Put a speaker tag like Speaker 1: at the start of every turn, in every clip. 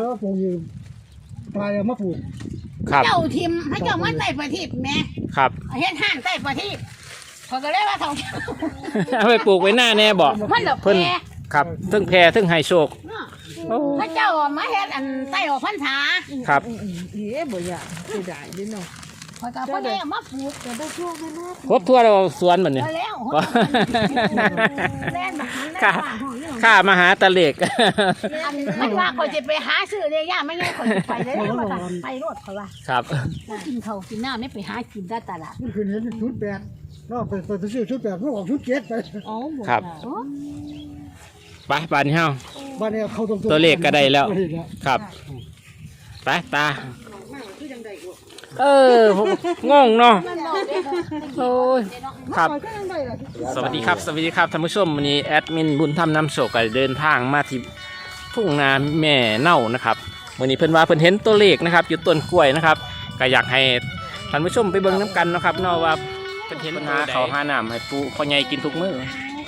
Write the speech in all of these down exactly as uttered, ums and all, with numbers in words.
Speaker 1: ว่าปลูกอยู่ปลายมะปลูก
Speaker 2: เจ้าทิมให้เจ้ามันใต้ประทีปแม่
Speaker 3: ครับ
Speaker 2: เฮ็ดห้างใต้ประทีปเขาก็เลยว่าเขา
Speaker 3: เอาไปปลูกไว้หน้าแน่บอก
Speaker 2: มันดอกแพร
Speaker 3: ครับทั้งแพรทั้งไฮโชค
Speaker 2: พระเจ้ามาเฮ็ดอันใต้ออกพรรษา
Speaker 3: ครับ
Speaker 4: เอ๋บ่อยากสิได้ดิเนาะ
Speaker 2: พอยก็เพิ่นได้มาปลูกแต่บ่ช่วงนั้น
Speaker 3: ครบทั่วเราสวนบัดนี้
Speaker 2: แล้วแล่นมา
Speaker 3: ข้าข้ามาหาตะเล็ก
Speaker 2: มันว่าเขาจะไปหาซื้อเลยย่าไม่งั้นเขาจะไปเลยไปรถเขาว่า
Speaker 3: ครับ
Speaker 2: กินเขากินน้ำไม่ไปหากินได้ตลาด
Speaker 1: นี่คือเห็นชุดแปดเนาะไปไปซื้อชุดแปดเพื่อออกชุดเจ็ดไป
Speaker 2: อ๋อ
Speaker 3: ครับไปบ้านเฮา
Speaker 1: บ้านนี้เขาตรง
Speaker 3: ตัวเลขก็ได้แล้วครับไปตาเออผมงงเนาะโอ้ยครับสวัสดีครับสวัสดีครับท่านผู้ชมวันนี้แอดมินบุญธรรมนำโชคก็เดินทางมาที่ทุ่งนาแม่เน่านะครับวันนี้เพิ่นว่าเพิ่นเห็นตัวเลขนะครับอยู่ต้นกล้วยนะครับก็อยากให้ท่านผู้ชมไปเบิ่งน้ำกันนะครับเนาะว่าเพิ่นเห็นปัญหาเขาหาน้ำให้ปูพ่อใหญ่กินทุกมื้อ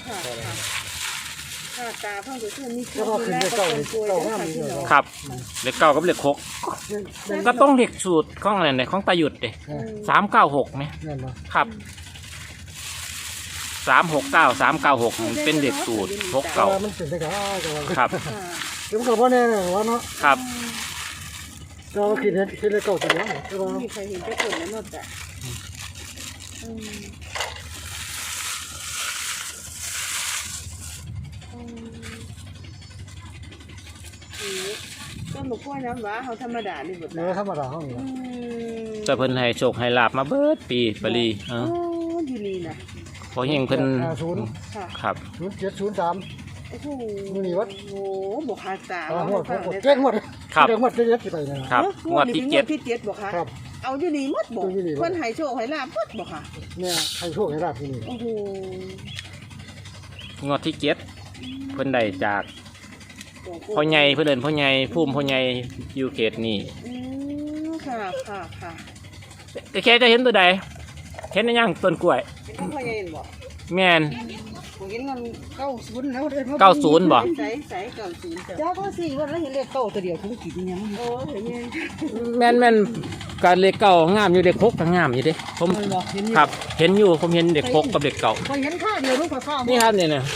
Speaker 4: ตาเพิ่งจะขึ้นนี่คื
Speaker 1: อขึ้นเก่าเก่าห้าม
Speaker 3: ครับเลขเก้ากับเลขหกก็ต้องเลขสูตรของอะไรเนี่ยของตาหยุดเด้สามเก้าหกไหมครับสามหกเก้าสามเก้าหกเป็นเลขสูตรหกเก้าครับ
Speaker 1: เดี๋ยวกับว่าแน่ว่าเนาะ
Speaker 3: ครับ
Speaker 1: เราคิดเห็นคิดเลขเก่าจริงเนาะ
Speaker 4: มีใครเห็นจะผลแล้วเนาะจ้ะต้นมะกล้วยน้ำว้าเขาธรรมดานี่หมด
Speaker 1: เลยธรรมดาเขา
Speaker 3: เนี่ยจะเพิ่นให้โชคให้ลาบมาเบิดปีปรี
Speaker 4: เอออยู่นี่นะ
Speaker 3: พอเฮงเพิ่นครับ
Speaker 1: ศูนย์เจ็ดศูนย์สาม
Speaker 4: โอ้โห
Speaker 1: นี่วัด
Speaker 4: โอ้บวกขาตา
Speaker 1: หมดเจ๊งหมด
Speaker 3: ครับ
Speaker 1: เจ๊งหมดเจ๊งไป
Speaker 3: นะครับงวดที่เจ็ด
Speaker 4: ที่เจ็ดบวกขาเอาอยู่นี่มดบวกเพิ่นให้โชคให้ลาบมดบวกค่ะ
Speaker 1: เนี่ยให้โชคให้ลาบที่นี่
Speaker 4: โอ้โห
Speaker 3: งวดที่เจ็ดเพิ่นได้จากพ่อใหญ่เพื่อนเดินพ่อใหญ่พุ่มพ่อใหญ่อยู่เขตนี่
Speaker 4: อืมค่ะค่ะค่ะ
Speaker 3: แต่แค่จะเห็นตัวใดเห็นในย่างต้นกล้วย
Speaker 4: พ่อใหญ่เห็นบ่
Speaker 3: แม่น
Speaker 4: เห็นมัน
Speaker 1: เก้าศูนย์แล้ว
Speaker 3: เก้าศูนย์บ่
Speaker 4: ใส่ใส่เก้าศูนย์จ้าพ่อสี่วันแล้วเห็นเลขเก้าตัวเดียวทุกกี่ยังโอ้เห็น
Speaker 3: แม่นแม่นการเลขเก้างามอยู่เด็กหกก็งามอยู่เด้ผมครับเห็นอยู่ผมเห็นเด็กหกกับเด็กเก้า
Speaker 1: เห็นข้าเดียวลูกข้า
Speaker 3: นี่ครับเนี่ยเนี่ย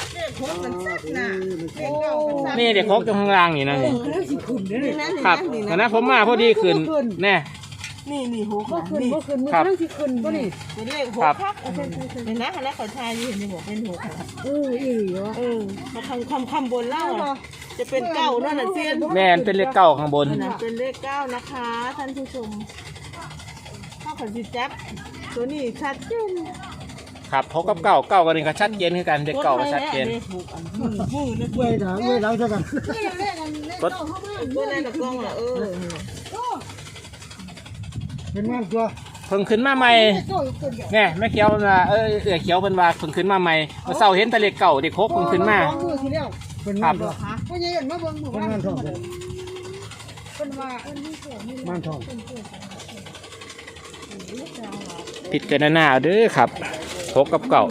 Speaker 3: นี่เด็กหกตรงข้างล่างนี่นะครับแต่นะผมมาพอดีขึ้นแน่
Speaker 4: นี่นี่หัว
Speaker 1: ก็ขึ้นก็ขึ้นมันต้องสิขึ้นก็นี่
Speaker 4: เป็นเลขหัวคักเห็นนะคณะเขาทายอยู่เห็นไหมบอกเป็นหัว
Speaker 1: เอออีเหรอ
Speaker 4: เออมาทำคำคำบนเล่าจะเป็นเก้านั่นแหละเซียน
Speaker 3: แม่นเป็นเลขเก้าข้างบน
Speaker 4: เป็นเลขเก้านะคะท่านผู้ชมข้าวผัดซีแจ๊บตัวนี้ชัดเจน
Speaker 3: ครับพบกับเก้าเก้ากันนี่ก็ชัดเจนคือกันเลขเก้าก็ชัดเจน
Speaker 4: มือ
Speaker 1: เว้ยนะเว้ยเราจะกัน
Speaker 3: รถ
Speaker 4: เว้ยในกล้องเหรอเออ
Speaker 1: เป็นงานตัว
Speaker 3: เพิ่งขึ้นมาใหม่แง่แม่เขียวมาเออเอ๋เขียวเป็นว่าเพิ่งขึ้นมาใหม่เมื่อเช้าเห็นทะเลเก่าเด็กโคกเพิ่งขึ้นมา
Speaker 1: ครับก็ยังเห็นมาเบิ่งเป็นงานทองเป็นว่างานทอง
Speaker 3: ผิดกันหน้าเด้อครับโคกกับเก่า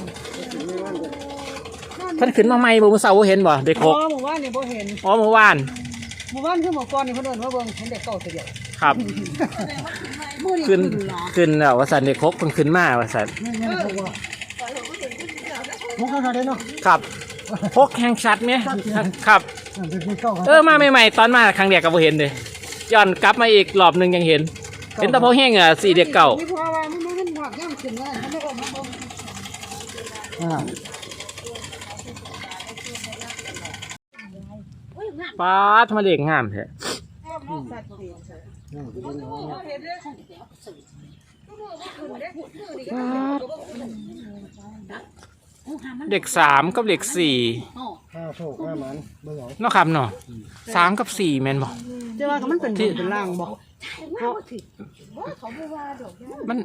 Speaker 3: ท่านขึ้นมาใหม่บ่เมื่อเช้าเห็นบ่เด็กโคก
Speaker 4: อ๋อเมื่อวานนี่บ่เห็น
Speaker 3: อ๋อเมื่อวาน
Speaker 4: เมื่อวานคือเมื่อก่อนนี่เพิ่นเดินมาเบิ่งเห็นเด็กเก่าตัวเดียว
Speaker 3: ครับขึ้นขึ้นแล้วว่าสันเด็กคกมันขึ้นมาว่าสัน
Speaker 1: พกเขาได้เนาะ
Speaker 3: ครับพกแข่งชัดไหมครับเออมาใหม่ๆตอนมาครั้งเดียวก็บ่เห็นเลยย้อนกลับมาอีกรอบหนึ่งยังเห็นเห็นตะโพแห้งอ่ะสี่เด็กเก่าป้าทำไมเด็กงามแท้เด็กสามกับเด็กสี่นอกคำเนาะสามกับสี่แมนบอก
Speaker 4: เจ้าว่ามันเป็นที่เป็นล่างบอก
Speaker 3: มัน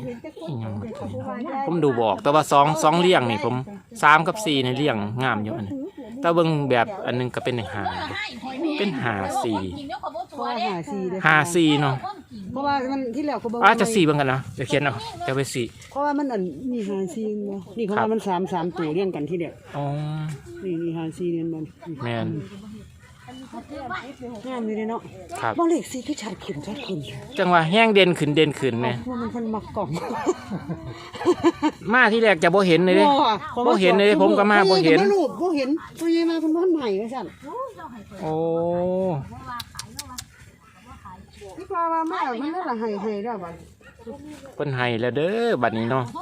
Speaker 3: ผมดูบอกแต่ว่าสองสองเลี่ยงนี่ผมสามกับสี่ในเลี่ยงงามอยู่อันนี้แต่เบิ่งแบบอันนึงก็เป็นหาเป็นหาสี่หาสี่เนาะ
Speaker 4: เพราะว่ามันที่แล้วเขาบอก
Speaker 3: ว่าจะสี่บ้างกันนะจะเขียนเอาจะไปสี่
Speaker 4: เพราะว่ามันอันมีหาสี่นี่เขาว่ามันสามสามตัวเรียงกันที่เดียว
Speaker 3: อ๋อ
Speaker 4: นี่นี่หาสี่เนี่ยมัน
Speaker 3: แมน
Speaker 1: งามอยู่เนาะ
Speaker 3: ครับ
Speaker 1: บ่เลขสี่คือชัดขึ้นชัดขึ้น
Speaker 3: จังหวะแห้งเด่นขึ้นเด่นขึ้นไหม
Speaker 1: ว่ามันเพิ่นมักกล่อง
Speaker 3: มาที่แรกจะบ่เห็นเลยเด้ บ่เห็นเลยผมก็มาบ่เห็น
Speaker 1: บ่รู้บ่เห็นพ่อใหญ่มาเพิ่นบ่ใหม่ว่าซั่น
Speaker 3: โอ้
Speaker 1: พี่ปลาว่ามามันน่าละให้ให้แล้วบัด
Speaker 3: เพิ่นให้แล้วเด้อบัดนี้เนาะ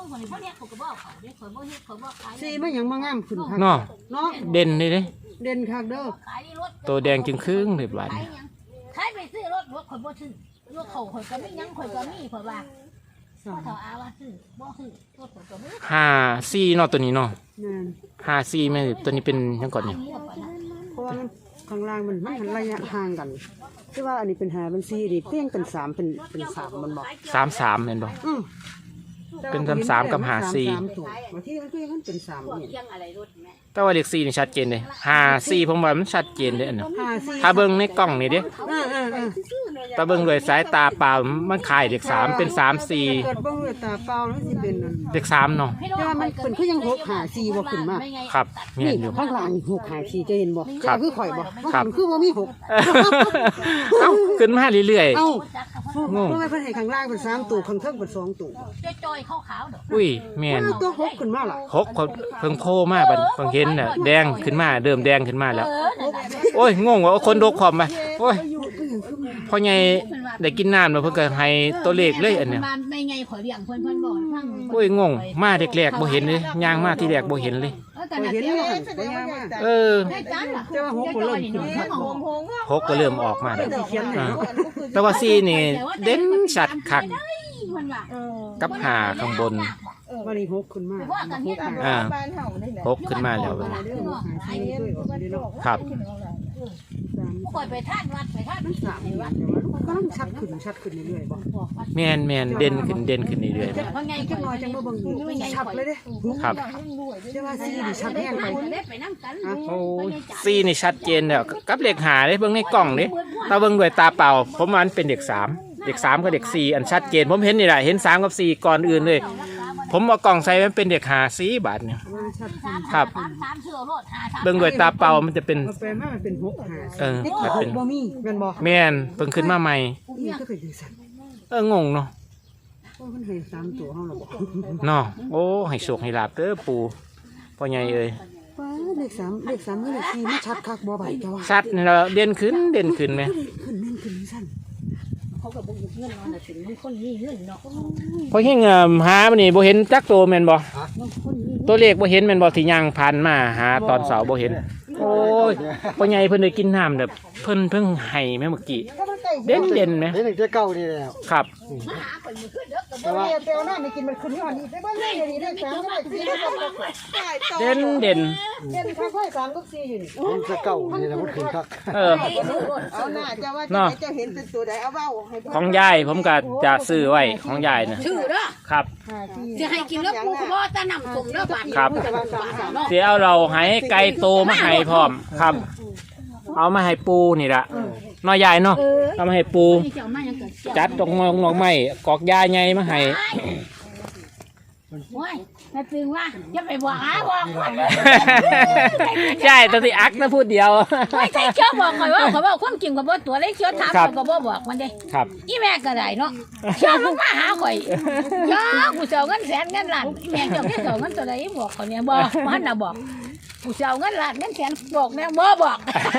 Speaker 1: สีมันหยังมางามขึ้นคัก
Speaker 3: เนาะ
Speaker 1: เนาะ
Speaker 3: เด่นเลยเด้
Speaker 1: เด่นคักเด้อ
Speaker 3: ตัวแดงจึงครึ่งเลยบัดนี้
Speaker 2: ใครไปซื้อรถรถข่อยบ่ซื้อรถเขาข่อยก็ไม่ยังข่อยก็มีข่อยว่าพ่อเฒ่าอาว่าซื้อบ่ซื้อรถข่อยก็มี
Speaker 3: ห้าสี่เนาะตัวนี้เนาะ
Speaker 1: นั่น
Speaker 3: ห้าสี่แม่นตัวนี้เป็นหยังก่อนนี่
Speaker 1: เพราะว่ามันข้างล่างมันมันระยะห่างกันคือว่าอันนี้เป็นห้าเป็นสี่นี่เพียงเป็นสามเป็นเป็นสามมันบอก
Speaker 3: สามสามแม่นบ่
Speaker 1: อือ
Speaker 3: เป็นสามสามกับห้าสี่
Speaker 1: สามถูกบางทีมันก็ยังเป็นสามนี่
Speaker 2: ยังอะไรรถแม่
Speaker 3: แต่ว่าเลขสี่นี่ชัดเจนเลยห้าสี่ผมว่ามันชัดเจนเลยอันนั้น
Speaker 1: ห้าสี่
Speaker 3: ถ้าเบิ่งในกล้องนี่เด้
Speaker 1: เออเออเออ
Speaker 3: ถ้าเบิ่งด้วยสายตาเปล่ามันคล้ายเลขสามเป็นสามสี่
Speaker 1: เกิดเบิ่งด้วยตาเปล่าแล้วสิเป็นนั่น
Speaker 3: เลขสามเนาะ
Speaker 1: แต่ว่ามันเป็นคือยังหกห้าสี่บ่ขึ้นมา
Speaker 3: ครับแม่
Speaker 1: นี่
Speaker 3: นอยู่
Speaker 1: ข้างล่างนี่หกห้าสี่จะเห็นบ่
Speaker 3: ครับ
Speaker 1: คือข่อยบ่
Speaker 3: ครับ
Speaker 1: มันคือบ่มีหก
Speaker 3: เอ้าขึ้นมาเรื่อย
Speaker 1: เอ้า
Speaker 3: งง
Speaker 1: เพราะว่าเพิ่นให้ข้างล่างเป็นสามตัวข้างเทิงเป็นสองตัว
Speaker 2: จอยๆขาวๆดอก
Speaker 3: ๆอุ้ยแม่น
Speaker 1: มันตัวหกขึ้นมาล่ะ
Speaker 3: หกเพิ่งโผล่มาบัดเพิ่งเห็นน่ะแดงขึ้นมาเดิมแดงขึ้นมาแล้ว โอ้ยงงว่าคนดกความไปโอ้ยพอไงได้กินน้ำแล้วเพิ่นก็ให้ตัวเลขเลยอันเนี้ย
Speaker 2: มันไม่ไงข่อยเลี้ยงเพิ่นเพิ่นบอกฟัง
Speaker 3: โอ้ยงงมาเด็กแรกบ่เห็นเลยย่างมาที่แรกบ่เห็นเลย
Speaker 2: แต่
Speaker 1: ข่อย
Speaker 2: น่ะ
Speaker 1: เห็น
Speaker 2: เดี๋ยว
Speaker 1: ว่าหั่นบ่ยากมาก
Speaker 3: เออ
Speaker 2: ให้จันล่ะ
Speaker 1: แต่ว่าหกก็เริ่มขึ้นมา
Speaker 3: หกก็เริ่มออกมาแล้ว
Speaker 1: สิเขียนให้
Speaker 3: อ่าแต่ว่าสี่นี่เด่นชัดคัก
Speaker 2: เพิ่นว่า
Speaker 3: กับหาข้างบน
Speaker 1: วันนี้หกขึ้นมา
Speaker 2: ว่ากันเฮ็ด
Speaker 3: อ่า
Speaker 4: บ้านเฮานี่แหละ
Speaker 3: หกขึ้นมาแล้ว
Speaker 1: เวลาเด้อหกหาสี่ช่วยออกเด้อเนาะ
Speaker 3: ครับ
Speaker 1: สาม
Speaker 2: ข่อยไปท่านวัดไปท่าน
Speaker 1: สามนี่ว่าแต่ว่ามันก็ต้องชัดขึ้นชัดขึ้นเรื่อยๆบ่
Speaker 3: แม่นแม่นเด่นขึ้นเด่นขึ้นเรื่อย
Speaker 2: เพราะไง
Speaker 1: จักหน่อยจังบ่เบิ่งนี่ชัดเลยเด้
Speaker 3: ๆครับ
Speaker 1: แต่ว่าสี่นี่ชัดแห้งไป
Speaker 2: ไปนำกัน
Speaker 3: โอ้ยสี่นี่ชัดเจนแล้วกับเลขหาเด้เบิ่งในกล้องเด้ถ้าเบิ่งด้วยตาเปล่า ผมว่ามันเป็นเด็กสามเด็กสามกับเด็กสี่อันชัดเจนผมเห็นนี่แหละเห็นสามกับสี่ก่อนอื่นเลย ผมเอากล่องใส่มันเป็นเด็กหาสี่บาทเนี่ย
Speaker 1: มันชัดขึ้น
Speaker 3: ครับ
Speaker 2: สามเชื่อรถหา
Speaker 3: เบิ่งด้วยตาเปล่ามันจะเป็น
Speaker 1: เอาไปมามันเป็นหกหา
Speaker 3: เออ
Speaker 1: นี่
Speaker 3: มัน
Speaker 1: ห
Speaker 3: เป็
Speaker 1: ก
Speaker 3: น
Speaker 1: บ่มีแม่นบ่
Speaker 3: แม่นเพิ่งขึ้นมาใหม่
Speaker 1: นี่ก็เป็นจังซั่น
Speaker 3: เอองงเนาะ
Speaker 1: โอ้มันให้สามตัวเฮาแล้วบ่
Speaker 3: เนาะโอ้ให้โชคให้ลาบเด้อปู่พ่อใหญ่เอ้ย
Speaker 1: ว้าเลขสามเลขสามกับเลขสี่มันชัดคักบ่ใบจ้ะว่า
Speaker 3: ชัดนี่เราเด่นขึ้นเด่นขึ้นไหม
Speaker 1: ขึ้นแน่นขึ้นซั่น
Speaker 2: เขาก็บ่มีเงินนอนน่ะถึงมันคนมีเงินเนาะ
Speaker 3: พอเฮงอ่ะหาบัดนี้บ่เห็นจักโตแม่นบ่ตัวเลขบ่เห็นแม่นบ่ที่ย่างผ่านมาหาตอนเสาร์บ่เห็น โอ้ยพ่อใหญ่เพิ่นได้กินน้ำแบบเพิ่นเพิ่งให้แม่เมื่อกี้เด่นเด่นไหม
Speaker 5: เห็นแต่เก่านี่แล้ว
Speaker 3: ครับ
Speaker 2: มาหาข่อยมื้อคืนเด้อก็
Speaker 1: แต่ว่าเปลวน้ำไม่กินมันขึ้นยอดนี่ได้บ้านเลยนี่ได้สามได้สี่ได้สอง
Speaker 3: เด่นเด่น
Speaker 1: เด่นข้าวไข่สามก็สี่อยู่นี่
Speaker 5: เห็นแต่เก่านี่แล้วมันขึ้นคัก
Speaker 3: เออ
Speaker 4: เอาหน้าจะว่า
Speaker 3: เนาะ
Speaker 4: จะเห็นเป็นตัวใดเอาเว้าให้เบิ่ง
Speaker 3: ของยายผมก็จะซื้อไว้ของยายน่ะ
Speaker 2: ชื่อเด้อ
Speaker 3: ครับ
Speaker 2: สิให้กินแล้วกูก็บ่จะนำส่งเด้อบาด
Speaker 3: ครับ
Speaker 2: เนาะ
Speaker 3: เดี๋ยวเอาเราให้ไก่โตมาให้พร้อมครับ เอามาให้ปูนี่ละน้อยใหญ่เนาะเอามาให้ปู
Speaker 2: นี่เจ้ามายังเกิด
Speaker 3: จัดตรงงอกงอกไม้กอกยาใหญ่มาให้
Speaker 2: โอ้ยแม่ตึงว่าอย่าไปบอกหาบอกข่อย
Speaker 3: ใช่ตัวที่อักนะพูดเดียว
Speaker 2: ไม่ใช่เชื่อบอกข่อยว่าข่อยว่าความจริงข่อยบ่ตัวเลยเชื่อถาม
Speaker 3: ครับ
Speaker 2: ข่อยก็บ่บอกมันเด้
Speaker 3: ครับ
Speaker 2: อีแม่ก็ได้เนาะเชื่อมันมาหาข่อยยากูเจ้าเงินแสนเงินล้านแม่เจ้าแค่เจ้าเงินตัวใดบอกข่อยเนี่ยบ่มันน่ะบอกกูเจ้าเงินล้านเงินแสนบอกแม่บ่บอก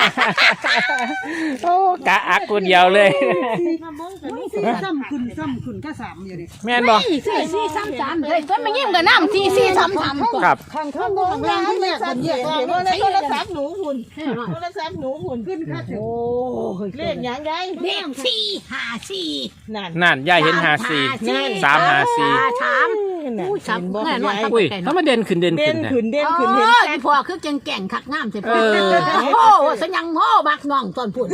Speaker 3: โอ้กะอักคนเดียวเลย
Speaker 1: สี่ซ้ำขึ้นซ้ำขึ้นก็สามอยู่นี่
Speaker 3: แม่นบ่
Speaker 2: สี่สี่สี่สามสามเลยต้นมายิ้มกับน้ำสี่สี่สามสามก่อน
Speaker 3: ครับ
Speaker 1: ข้างข้างบนล่างขึ้นแรกคนแยก
Speaker 4: เห็นว่าในโทรศัพท์หนูหุ่นโทรศัพท์หนูหุ่น
Speaker 1: ขึ้นค่าถึง
Speaker 2: โอ้ย
Speaker 4: เลขหยังได้
Speaker 2: เลขสี่ห้าสี่
Speaker 4: นั่น
Speaker 3: นั่นยายเห็นหาสี่สามหาสี่
Speaker 2: สาม
Speaker 4: นั่น
Speaker 2: อุ้ยสาม
Speaker 4: เห็นบ่
Speaker 2: แน่นอน
Speaker 3: อุ้ยถ้ามันเด่นขึ้นเด่น
Speaker 4: เด่
Speaker 3: ขึ้
Speaker 4: น
Speaker 3: นนะ
Speaker 4: ขึ้นเด่น
Speaker 2: โอ้
Speaker 4: ขึ้นเห็น
Speaker 2: ยพอคือแก่งแก่งขักงามใช่ปะ
Speaker 3: เออ
Speaker 2: โอ้สัญญังโม่บักน้องตอนพุ่น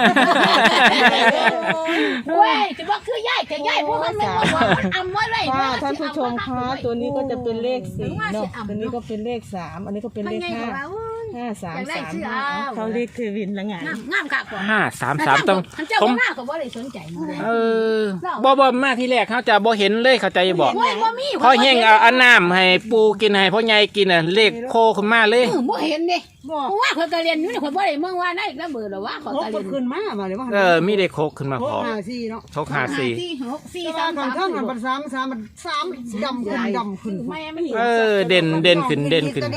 Speaker 2: เว้ยจะบอกคือย่ายแต่ย่ายพวกมันไม่บอกมันอำไว้เลย
Speaker 4: ค่ะท่านผู้ชมคะตัวนี้ก็จะเป็นเลขสี่เนาะตัวนี้ก็เป็นเลขสามอันนี้ก็เป็น
Speaker 2: มัน
Speaker 4: เลข
Speaker 2: ไง
Speaker 4: ห้า
Speaker 2: ว่า
Speaker 4: ห้าสาม
Speaker 2: อยากได้
Speaker 4: สาม
Speaker 2: ชื่อ
Speaker 4: ห้า
Speaker 2: เอา
Speaker 4: เขาเรียกเทวินละไง
Speaker 2: งามงามค่ะก่อน
Speaker 3: ห้าสามสามต้อง
Speaker 2: ท่านเจ้า
Speaker 3: ผม
Speaker 2: หน้าก็บ่ได้สนใจมันเลย
Speaker 3: เออบ่บ่มาที่แรกเขาจะบ่เห็นเลยเขาใจบอก
Speaker 2: โอ้ยบ่มี
Speaker 3: พอเฮงเอาอันน้ำให้ปูกินให้พ่อใหญ่กินอ่ะเลขโคขึ้นมาเลย
Speaker 2: เออบ่เห็นเด้
Speaker 1: บ่
Speaker 2: ว่าข่อยก็เรียนอยู่นี่ข่อยบ่ได้เมืองว่าได้อีกแล้วเบอร์แล้วว่าข่อย
Speaker 1: หก
Speaker 2: ก็
Speaker 1: ค
Speaker 2: เรีย
Speaker 1: น
Speaker 2: น
Speaker 1: ขึ้นมาบ่เลยว่า
Speaker 3: เออมีเด็กโคกขึ้นมาพร้อม
Speaker 1: ห้าสี่เนาะ
Speaker 3: โชคหาสี่
Speaker 2: สี่หกสี่
Speaker 1: แต่
Speaker 2: สา
Speaker 1: ว่าม ก่อน
Speaker 2: สาม
Speaker 1: เท่ามันเป็นสามสามมันสามดำขึ้นดำขึ้น
Speaker 2: ไม่ไม่
Speaker 3: เออเด่นเด่นขึ้นเด่นขึ้น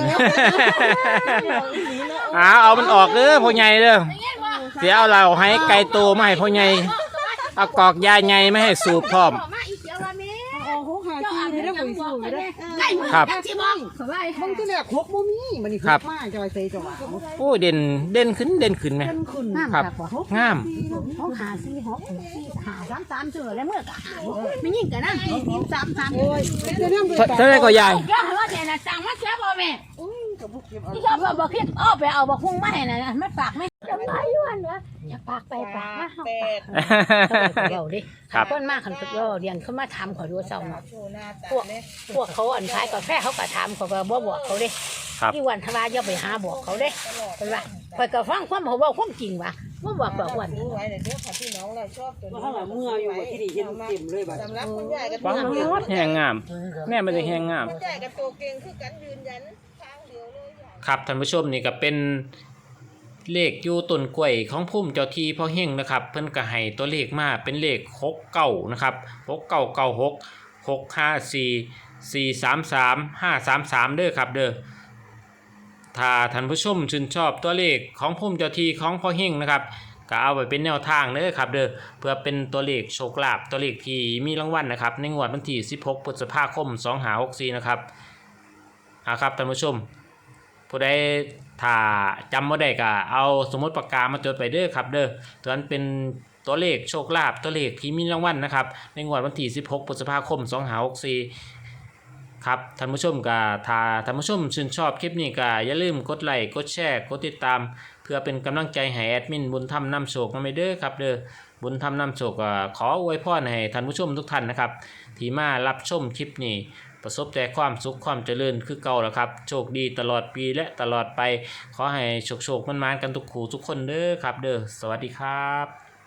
Speaker 3: เอาเอามันออกเด้อพ่อใหญ่เด้อเดี๋ยวเอาเราให้ไก่โตมาให้พ่อใหญ่เอากอกยาใหญ่ไม่ให้สูบพร้อม
Speaker 2: มาอีเสียวว่าแม่
Speaker 1: โอ้โหห้าสี่นี่ได้บ่สูงได้
Speaker 2: ไก่หมด
Speaker 3: ครับ
Speaker 2: ที่บ้องข่อยว่า
Speaker 1: บางทีแรกหกบ่มีมันนี่
Speaker 3: ครับ
Speaker 1: มาจอยเซจอย
Speaker 3: โอ้เด่นเด่นขึ้นเด่นขึ้นไหม
Speaker 1: ขึ้น
Speaker 2: งาม
Speaker 3: ครับ
Speaker 2: คักบ่
Speaker 3: งาม
Speaker 2: หกหาสี่หกสี่หาสามสามเสือแล้วเมื่อก็หาไม่ยิ่งกันนะสี่สามสาม
Speaker 1: โอ้ยจะนำ
Speaker 3: เท่าไรก็ยาย
Speaker 2: ย่าว่าแต่น่ะสั่งมาเสียบ่แม่ที่ชอบบ่บ่คิดอ้อไปเอาบ่คุ้งมาให้น่ะมันฝากไหมจะไปอยู่หั่นวะอย่าปากไปปากมาเฮาเดี๋ยวดิเพิ่นมาคันเพิ่นเรียนเขามาถามขอดูเซาเนาะพวกพวกเขาอันขายกาแฟเขาก็ถามเขาก็บ่บอกเขาเด้
Speaker 3: ครับ
Speaker 2: ที่วันทว่าอย่าไปหาบอกเขาเด้เพิ่นว่าข่อยก็ฟังความเขาเว้าความจริงว่ะบ่บอกดอกวัน
Speaker 4: รู้ไว้เดี๋ยวค่ะพี่น้องเราชอบตัวนี้
Speaker 1: ว่าเมื่ออยู่ที่นี่เห็นเต็มเลยบัด
Speaker 4: สำหรับคุณยายกับ
Speaker 3: ปังแหงงาม แม่ไม่ได้แหงงาม
Speaker 4: คุณยายกับตัวเก่งคือกันยืนยันทางเดียวเลย
Speaker 3: ครับท่านผู้ชมนี่ก็เป็นเลขอยู่ต้นกล้วยของพุ่มเจ้าที่พ่อเฮงนะครับ เพิ่นก็ให้ตัวเลขมาเป็นเลขหกเก้านะครับหกเก้าเก้าหกหกห้าสี่สี่สามสามห้าสามสามเด้อครับเด้อถ้าท่านผู้ชมชื่นชอบตัวเลขของพุ่มเจ้าที่ของพ่อเฮงนะครับก็เอาไปเป็นแนวทางเด้อครับเด้อเพื่อเป็นตัวเลขโชคลาภตัวเลขที่มีรางวัลนะครับในงวดวันที่สิบหกพฤษภาคมสองห้าหกสี่นะครับอ่าครับท่านผู้ชมผู้ใดถ้าจำบ่ได้ก็เอาสมุดปากกามาจดไปเด้อครับเด้อตัวนั้นเป็นตัวเลขโชคลาภตัวเลขที่มีรางวัลนะครับในงวดวันที่สิบหกพฤษภาคมสองห้าหกสี่ครับท่านผู้ชมก็ถ้าท่านผู้ชมชื่นชอบคลิปนี้ก็อย่าลืมกดไลค์กดแชร์กดติดตามเพื่อเป็นกำลังใจให้แอดมินบุญธรรมนำโชคนำไปเด้อครับเด้อบุญธรรมนำโชคก็ขออวยพรให้ท่านผู้ชมทุกท่านนะครับที่มารับชมคลิปนี้ประสบแต่ความสุขความเจริญคือเก่าแล้วครับโชคดีตลอดปีและตลอดไปขอให้โชคโชคมันๆกันทุกคู่ทุกคนเด้อครับเด้อสวัสดีครับ